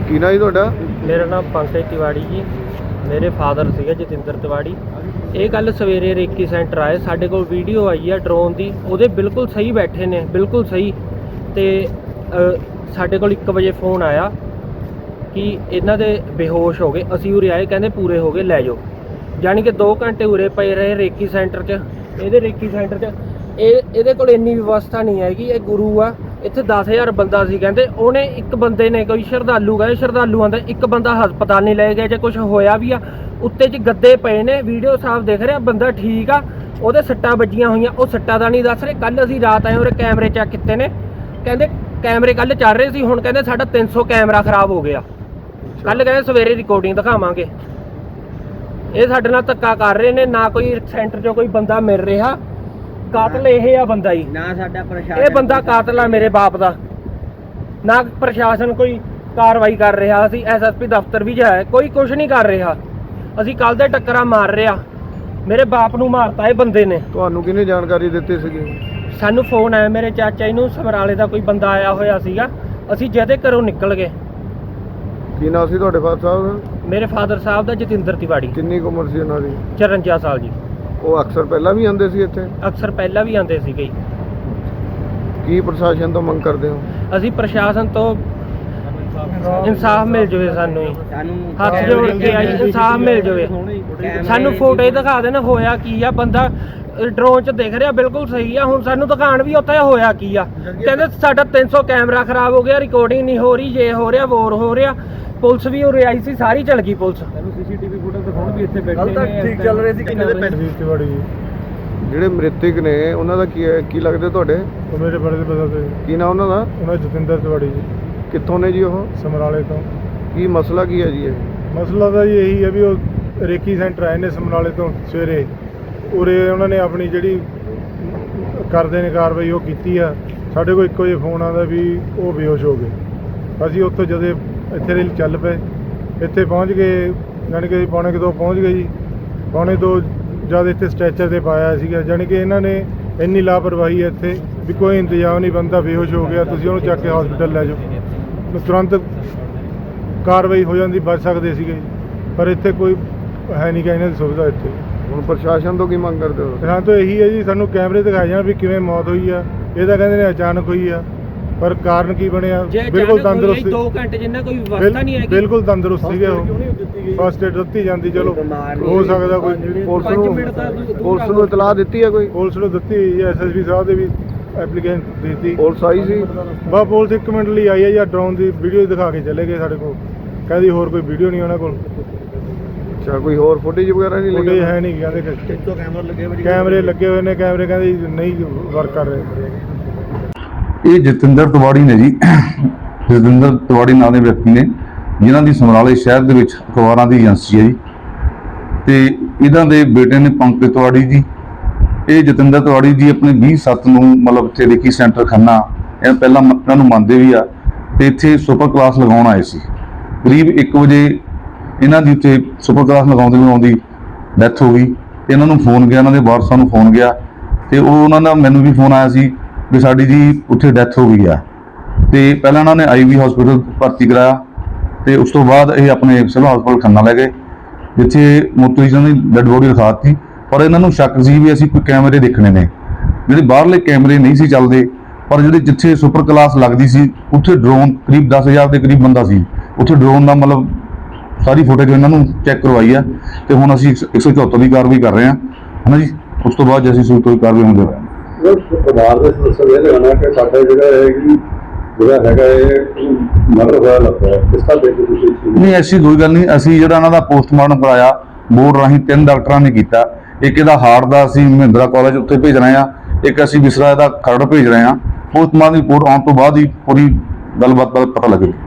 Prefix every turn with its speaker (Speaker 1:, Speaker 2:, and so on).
Speaker 1: ਕੀ ਨਾਂ ਜੀ ਤੁਹਾਡਾ?
Speaker 2: ਮੇਰਾ ਨਾਮ ਪੰਕਜ ਤਿਵਾੜੀ ਜੀ। ਮੇਰੇ ਫਾਦਰ ਸੀਗੇ ਜਤਿੰਦਰ ਤਿਵਾੜੀ। ਇਹ ਗੱਲ ਸਵੇਰੇ ਰੇਕੀ ਸੈਂਟਰ ਆਏ, ਸਾਡੇ ਕੋਲ ਵੀਡੀਓ ਆਈ ਆ ਡਰੋਨ ਦੀ, ਉਹਦੇ ਬਿਲਕੁਲ ਸਹੀ ਬੈਠੇ ਨੇ, ਬਿਲਕੁਲ ਸਹੀ। ਤੇ ਸਾਡੇ ਕੋਲ 1 ਵਜੇ फ़ोन ਆਇਆ ਕਿ ਇਹਨਾਂ ਦੇ ਬੇਹੋਸ਼ ਹੋ ਗਏ। ਅਸੀਂ ਉਰੇ ਆਏ, ਕਹਿੰਦੇ ਪੂਰੇ ਹੋ ਗਏ, ਲੈ ਜਾਓ। ਜਾਣੀ ਕਿ 2 ਘੰਟੇ ਉਰੇ ਪਏ ਰਹੇ ਰੇਕੀ ਸੈਂਟਰ 'ਚ। ਇਹਦੇ ਰੇਕੀ ਸੈਂਟਰ 'ਚ ਇਹਦੇ ਕੋਲ ਇੰਨੀ ਵਿਵਸਥਾ ਨਹੀਂ ਹੈਗੀ। ਇਹ ਗੁਰੂ ਆ, ਇੱਥੇ 10,000 ਬੰਦਾ ਸੀ ਕਹਿੰਦੇ। ਉਹਨੇ ਇੱਕ ਬੰਦੇ ਨੇ, ਕੋਈ ਸ਼ਰਧਾਲੂ ਗਏ, ਸ਼ਰਧਾਲੂਆਂ ਦਾ ਇੱਕ ਬੰਦਾ ਹਸਪਤਾਲ ਨਹੀਂ ਲੈ ਗਿਆ। ਜੇ ਕੁਝ ਹੋਇਆ ਵੀ ਆ, ਉੱਤੇ 'ਚ ਗੱਦੇ ਪਏ ਨੇ, ਵੀਡੀਓ ਸਾਫ਼ ਦਿਖ ਰਿਹਾ, ਬੰਦਾ ਠੀਕ ਆ। ਉਹਦੇ ਸੱਟਾਂ ਵੱਜੀਆਂ ਹੋਈਆਂ, ਉਹ ਸੱਟਾਂ ਦਾ ਨਹੀਂ ਦੱਸ ਰਹੇ। ਕੱਲ੍ਹ ਅਸੀਂ ਰਾਤ ਆਏ, ਉਹਦੇ ਕੈਮਰੇ ਚੈੱਕ ਕੀਤੇ ਨੇ, ਕਹਿੰਦੇ ਕੈਮਰੇ ਕੱਲ੍ਹ ਚੱਲ ਰਹੇ ਸੀ, ਹੁਣ ਕਹਿੰਦੇ ਸਾਡਾ 300 ਕੈਮਰਾ ਖਰਾਬ ਹੋ ਗਿਆ। ਕੱਲ੍ਹ ਕਹਿੰਦੇ ਸਵੇਰੇ ਰਿਕਾਰਡਿੰਗ ਦਿਖਾਵਾਂਗੇ। ਇਹ ਸਾਡੇ ਨਾਲ ਧੱਕਾ ਕਰ ਰਹੇ ਨੇ। ਨਾ ਕੋਈ ਸੈਂਟਰ 'ਚੋਂ ਕੋਈ ਬੰਦਾ ਮਿਲ ਰਿਹਾ। ਕਾਤਲ ਇਹ ਆ ਬੰਦਾ ਹੀ ਨਾ, ਸਾਡਾ ਪ੍ਰਸ਼ਾਸਨ। ਇਹ ਬੰਦਾ ਕਾਤਲ ਆ ਮੇਰੇ ਬਾਪ ਦਾ। ਨਾ ਪ੍ਰਸ਼ਾਸਨ ਕੋਈ ਕਾਰਵਾਈ ਕਰ ਰਿਹਾ। ਅਸੀਂ SSP ਦਫ਼ਤਰ ਵੀ ਜਾਏ, ਕੋਈ ਕੁਝ ਨਹੀਂ ਕਰ ਰਿਹਾ। ਅਸੀਂ ਕੱਲ੍ਹ ਦੇ ਟੱਕਰਾਂ ਮਾਰ ਰਿਹਾ। ਮੇਰੇ ਬਾਪ ਨੂੰ ਮਾਰਤਾ ਇਹ ਬੰਦੇ ਨੇ।
Speaker 1: ਤੁਹਾਨੂੰ ਕਿਹਨੇ ਜਾਣਕਾਰੀ ਦਿੱਤੀ ਸੀਗੀ?
Speaker 2: ਸਾਨੂੰ फ़ोन ਆਇਆ, ਮੇਰੇ ਚਾਚਾ ਜੀ ਨੂੰ, ਸਮਰਾਲੇ ਦਾ ਕੋਈ ਬੰਦਾ ਆਇਆ ਹੋਇਆ ਸੀਗਾ। ਅਸੀਂ ਜਿਹਦੇ ਘਰੋਂ ਨਿਕਲ ਗਏ।
Speaker 1: ਕੀ ਨਾਂ ਸੀ ਤੁਹਾਡੇ ਫਾਦਰ ਸਾਹਿਬ ਦਾ?
Speaker 2: ਮੇਰੇ ਫਾਦਰ ਸਾਹਿਬ ਦਾ ਜਤਿੰਦਰ ਤਿਵਾੜੀ।
Speaker 1: ਕਿੰਨੀ ਕੁ ਉਮਰ ਸੀ ਉਹਨਾਂ ਦੀ?
Speaker 2: 54 ਸਾਲ ਜੀ।
Speaker 1: ਉਹ ਅਕਸਰ ਪਹਿਲਾਂ ਵੀ ਆਉਂਦੇ ਸੀ ਇੱਥੇ?
Speaker 2: ਅਕਸਰ ਪਹਿਲਾਂ ਵੀ ਆਉਂਦੇ ਸੀਗੇ ਜੀ।
Speaker 1: ਕੀ ਪ੍ਰਸ਼ਾਸਨ ਤੋਂ ਮੰਗ ਕਰਦੇ ਹੋ?
Speaker 2: ਅਸੀਂ ਪ੍ਰਸ਼ਾਸਨ ਤੋਂ ਇਨਸਾਫ ਮਿਲ ਜਾਵੇ ਸਾਨੂੰ ਜੀ। ਹੱਥ ਜੋੜ ਕੇ ਆਈ, ਇਨਸਾਫ ਮਿਲ ਜਾਵੇ ਸਾਨੂੰ। ਫੋਟੋ ਦਿਖਾ ਦੇਣ ਹੋਇਆ ਕੀ ਆ। ਬੰਦਾ ਡਰੋਨ 'ਚ ਦਿਖ ਰਿਹਾ, ਬਿਲਕੁਲ ਸਹੀ ਆ। ਹੁਣ ਸਾਨੂੰ ਦਿਖਾਣ ਵੀ ਉੱਥੇ ਹੋਇਆ ਕੀ ਆ। ਕਹਿੰਦੇ ਸਾਡਾ 300 ਕੈਮਰਾ ਖਰਾਬ ਹੋ ਗਿਆ, ਰਿਕਾਰਡਿੰਗ ਨਹੀਂ ਹੋ ਰਹੀ, ਜੇ ਹੋ ਰਿਹਾ, ਵੋਰ ਹੋ ਰਿਹਾ। ਪੁਲਿਸ ਵੀ ਉਰੇ ਆਈ ਸੀ, ਸਾਰੀ ਚਲ ਗਈ ਪੁਲਿਸ।
Speaker 3: CCTV ਫੁਟੇਜ ਦਿਖਾਉਣ ਵੀ ਇੱਥੇ ਬੈਠੇ ਨੇ, ਠੀਕ ਚੱਲ ਰਹੇ ਸੀ। ਕਿੰਨੇ ਦੇ ਪੈਸੇ ਤਿਵਾੜੀ
Speaker 1: ਜਿਹੜੇ ਮ੍ਰਿਤਕ ਨੇ ਉਹਨਾਂ ਦਾ ਕੀ ਲੱਗਦੇ ਤੁਹਾਡੇ?
Speaker 3: ਉਹ ਮੇਰੇ ਬੜੇ ਦੇ ਪਤਾ ਤੇ।
Speaker 1: ਕੀ ਨਾਂ ਉਹਨਾਂ ਦਾ?
Speaker 3: ਉਹਨਾਂ ਜਤਿੰਦਰ ਤਿਵਾੜੀ ਜੀ।
Speaker 1: ਕਿੱਥੋਂ ਨੇ ਜੀ ਉਹ?
Speaker 3: ਸਮਰਾਲੇ ਤੋਂ।
Speaker 1: ਕੀ ਮਸਲਾ ਕੀ ਹੈ ਜੀ ਇਹ?
Speaker 3: ਮਸਲਾ ਤਾਂ ਜੀ ਇਹੀ ਹੈ ਵੀ ਉਹ ਰੇਕੀ ਸੈਂਟਰ ਆਏ ਨੇ ਸਮਰਾਲੇ ਤੋਂ ਸਵੇਰੇ। ਉਰੇ ਉਹਨਾਂ ਨੇ ਆਪਣੀ ਜਿਹੜੀ ਕਰਦੇ ਨੇ ਕਾਰਵਾਈ ਉਹ ਕੀਤੀ ਆ। ਸਾਡੇ ਕੋਲ ਇੱਕੋ ਜਿਹਾ ਫ਼ੋਨ ਆਉਂਦਾ ਵੀ ਉਹ ਬੇਹੋਸ਼ ਹੋ ਗਏ। ਅਸੀਂ ਉੱਥੋਂ ਜਦੋਂ ਇੱਥੇ ਚੱਲ ਪਏ, ਇੱਥੇ ਪਹੁੰਚ ਗਏ, ਜਾਣੀ ਕਿ 1:45 ਪਹੁੰਚ ਗਏ ਜੀ। 1:45 ਜਦ ਇੱਥੇ ਸਟ੍ਰੈਚਰ 'ਤੇ ਪਾਇਆ ਸੀਗਾ। ਜਾਣੀ ਕਿ ਇਹਨਾਂ ਨੇ ਇੰਨੀ ਲਾਪਰਵਾਹੀ ਹੈ ਇੱਥੇ ਵੀ ਕੋਈ ਇੰਤਜ਼ਾਮ ਨਹੀਂ, ਬੰਦਾ ਬੇਹੋਸ਼ ਹੋ ਗਿਆ, ਤੁਸੀਂ ਉਹਨੂੰ ਚੱਕ ਕੇ ਹਸਪੀਟਲ ਲੈ ਜਾਓ। ਤੁਰੰਤ ਕਾਰਵਾਈ ਹੋ ਜਾਂਦੀ, ਬਚ ਸਕਦੇ ਸੀਗੇ, ਪਰ ਇੱਥੇ ਕੋਈ ਹੈ ਨਹੀਂ ਗਾ ਇਹਨਾਂ ਦੀ ਸੁਵਿਧਾ ਇੱਥੇ।
Speaker 1: ਹੁਣ ਪ੍ਰਸ਼ਾਸਨ ਤੋਂ ਕੀ ਮੰਗ ਕਰਦੇ ਹੋ?
Speaker 3: ਸਾਨੂੰ ਤਾਂ ਇਹੀ ਹੈ ਜੀ, ਸਾਨੂੰ ਕੈਮਰੇ ਦਿਖਾਏ ਜਾਣ ਵੀ ਕਿਵੇਂ ਮੌਤ ਹੋਈ ਆ। ਇਹ ਤਾਂ ਕਹਿੰਦੇ ਨੇ ਅਚਾਨਕ ਹੋਈ ਆ, ਪਰ ਕਾਰਨ ਕੀ ਬਣਿਆ? ਬਿਲਕੁਲ ਤੰਦਰੁਸਤ,
Speaker 2: 2 ਘੰਟੇ ਜਿੰਨਾ ਕੋਈ ਵਿਵਸਥਾ ਨਹੀਂ ਹੈਗੀ,
Speaker 3: ਬਿਲਕੁਲ ਤੰਦਰੁਸਤ ਸੀਗੇ ਉਹ। ਫਸਟ ਏਡ ਦਿੱਤੀ ਜਾਂਦੀ, ਚਲੋ ਹੋ ਸਕਦਾ ਕੋਈ।
Speaker 1: ਪੁਲਿਸ ਨੂੰ ਇਤਲਾਹ ਦਿੱਤੀ ਹੈ ਕੋਈ?
Speaker 3: ਪੁਲਿਸ ਨੂੰ ਦਿੱਤੀ, SSP ਸਾਹਿਬ ਦੇ ਵੀ ਐਪਲੀਕੇਸ਼ਨ ਦਿੱਤੀ।
Speaker 1: ਪੁਲਿਸ ਆਈ ਸੀ?
Speaker 3: ਬਸ ਪੁਲਿਸ 1 ਮਿੰਟ ਲਈ ਆਈ ਹੈ ਜਾਂ ਡਰੋਨ ਦੀ ਵੀਡੀਓ ਦਿਖਾ ਕੇ ਚਲੇ ਗਏ ਸਾਡੇ ਕੋਲ। ਕਹਿੰਦੀ ਹੋਰ ਕੋਈ ਵੀਡੀਓ ਨਹੀਂ ਉਹਨਾਂ ਕੋਲ।
Speaker 1: ਅੱਛਾ, ਕੋਈ ਹੋਰ ਫੁਟੇਜ ਵਗੈਰਾ ਨਹੀਂ ਲੱਗੀ?
Speaker 3: ਹੈ ਨਹੀਂ, ਕਹਿੰਦੇ ਕੈਮਰੇ ਲੱਗੇ ਹੋਏ ਨੇ। ਕੈਮਰੇ ਕਹਿੰਦੇ ਨਹੀਂ ਵਰਕ ਕਰ ਰਹੇ।
Speaker 4: ਇਹ ਜਤਿੰਦਰ ਤਿਵਾੜੀ ਨੇ ਜੀ। ਜਤਿੰਦਰ ਤਿਵਾੜੀ ਨਾਂ ਦੇ ਵਿਅਕਤੀ ਨੇ, ਜਿਨ੍ਹਾਂ ਦੀ ਸਮਰਾਲੇ ਸ਼ਹਿਰ ਦੇ ਵਿੱਚ ਅਖਬਾਰਾਂ ਦੀ ਏਜੰਸੀ ਹੈ ਜੀ। ਤੇ ਇਹਨਾਂ ਦੇ ਬੇਟੇ ਨੇ ਪੰਕਜ ਤਿਵਾੜੀ ਜੀ। ਇਹ ਜਤਿੰਦਰ ਤਿਵਾੜੀ ਜੀ ਆਪਣੇ 20/7 ਨੂੰ ਮਤਲਬ ਇੱਥੇ ਰੇਕੀ ਸੈਂਟਰ ਖੰਨਾ, ਇਹ ਪਹਿਲਾਂ ਇਹਨਾਂ ਨੂੰ ਮੰਨਦੇ ਵੀ ਆ, ਤੇ ਇੱਥੇ ਸੁਪਰ ਕਲਾਸ ਲਗਾਉਣ ਆਏ ਸੀ। ਕਰੀਬ 1 ਵਜੇ ਇਹਨਾਂ ਦੀ ਉੱਥੇ ਸੁਪਰ ਕਲਾਸ ਲਗਾਉਂਦੀ ਡੈਥ ਹੋ ਗਈ। ਤੇ ਇਹਨਾਂ ਨੂੰ ਫ਼ੋਨ ਗਿਆ, ਇਹਨਾਂ ਦੇ ਵਾਰਸਾਂ ਨੂੰ ਫ਼ੋਨ ਗਿਆ, ਤੇ ਉਹ ਉਹਨਾਂ ਦਾ ਮੈਨੂੰ ਵੀ ਫ਼ੋਨ ਆਇਆ ਸੀ ਵੀ ਸਾਡੀ ਜੀ ਉੱਥੇ ਡੈਥ ਹੋ ਗਈ ਆ। ਤੇ ਪਹਿਲਾਂ ਇਹਨਾਂ ਨੇ IV ਹਸਪੀਟਲ ਭਰਤੀ ਕਰਾਇਆ, ਤੇ ਉਸ ਤੋਂ ਬਾਅਦ ਇਹ ਆਪਣੇ ਸਿਵਲ ਹਸਪਤਾਲ ਖੰਨਾ ਲੈ ਗਏ, ਜਿੱਥੇ ਮੋਰਚਰੀ 'ਚ ਉਹਨਾਂ ਦੀ ਡੈਡ ਬੋਡੀ ਰਖਾ ਦਿੱਤੀ। ਪਰ ਇਹਨਾਂ ਨੂੰ ਸ਼ੱਕ ਸੀ ਵੀ ਅਸੀਂ ਕੋਈ ਕੈਮਰੇ ਦੇਖਣੇ ਨੇ। ਜਿਹੜੇ ਬਾਹਰਲੇ ਕੈਮਰੇ ਨਹੀਂ ਸੀ ਚੱਲਦੇ, ਪਰ ਜਿੱਥੇ ਸੁਪਰ ਕਲਾਸ ਲੱਗਦੀ ਸੀ ਉੱਥੇ ਡਰੋਨ ਕਰੀਬ 10,000 ਦੇ ਕਰੀਬ ਬੰਦਾ ਸੀ। ਉੱਥੇ ਡਰੋਨ ਦਾ ਮਤਲਬ ਸਾਰੀ ਫੁਟੇਜ ਇਹਨਾਂ ਨੂੰ ਚੈੱਕ ਕਰਵਾਈ ਆ। ਤੇ ਹੁਣ ਅਸੀਂ 174 ਦੀ ਕਾਰਵਾਈ ਕਰ ਰਹੇ ਹਾਂ, ਹੈ ਨਾ ਜੀ। ਉਸ ਤੋਂ ਬਾਅਦ ਅਸੀਂ ਕੋਈ ਕਾਰਵਾਈ ਹੁੰਦੇ ਰਹੇ।
Speaker 5: ਪਰਿਵਾਰ ਦੇ ਸਦੱਸਿਆਂ ਨੇ ਲਗਾਉਣਾ ਕਿ ਸਾਡਾ ਜਿਹੜਾ ਹੈਗਾ ਇਹ ਮਰਡਰ ਹੋਇਆ ਲੱਗਦਾ ਹੈ, ਇਸ ਤਰ੍ਹਾਂ ਦੇ ਤੁਸੀਂ?
Speaker 4: ਨਹੀਂ, ਐਸੀ ਕੋਈ ਗੱਲ ਨਹੀਂ। ਅਸੀਂ ਜਿਹੜਾ ਇਹਨਾਂ ਦਾ ਪੋਸਟਮਾਰਟਮ ਕਰਾਇਆ ਬੋਰਡ ਰਾਹੀਂ 3 ਡਾਕਟਰਾਂ ਨੇ ਕੀਤਾ। ਇੱਕ ਇਹਦਾ ਹਾਰਟ ਦਾ ਅਸੀਂ ਮਹਿੰਦਰਾ ਕਾਲਜ ਉੱਥੇ ਭੇਜ ਰਹੇ ਹਾਂ, ਇੱਕ ਅਸੀਂ ਵਿਸਰਾ ਦਾ ਖਰੜ ਭੇਜ ਰਹੇ ਹਾਂ। ਪੋਸਟਮਾਰਟਮ ਦੀ ਰਿਪੋਰਟ ਆਉਣ ਤੋਂ ਬਾਅਦ ਹੀ ਪੂਰੀ ਗੱਲਬਾਤ ਦਾ ਪਤਾ ਲੱਗੇਗਾ।